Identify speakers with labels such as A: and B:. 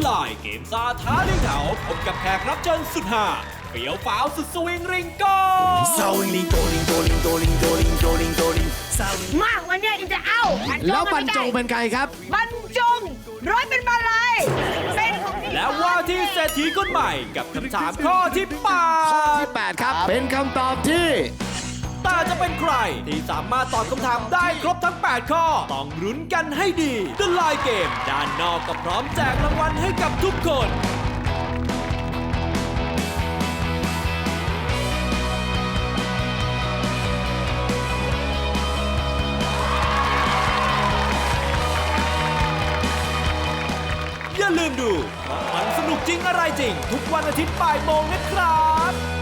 A: ไลน์เกมซาท้าเลี้ยงแถวพบกับแขกรับเชิญสุดฮาเฟี้ยวฟ้าวสุดสวิงริงโก้
B: Sawing doling doling doling doling doling doling
C: มาวันเนี้ยอินจะเอา
D: แล้วบรรจงเป็นใครครับ
C: บรรจงร้อยเป็นมาลายเป็นของพี่
A: และว่าที่เศรษฐีคนใหม่กับคำถามข้อที่
D: ที่ 8 ครับ เป็นคำตอบที่
A: แต่จะเป็นใครที่สามารถตอบคำถามได้ครบทั้ง 8 ข้อ ต้องรุ้นกันให้ดี The Line Game ด้านนอกก็พร้อมแจกรางวัลให้กับทุกคน อย่าลืมดูมันสนุกจริงอะไรจริง ทุกวันอาทิตย์บ่ายโมงนะครับ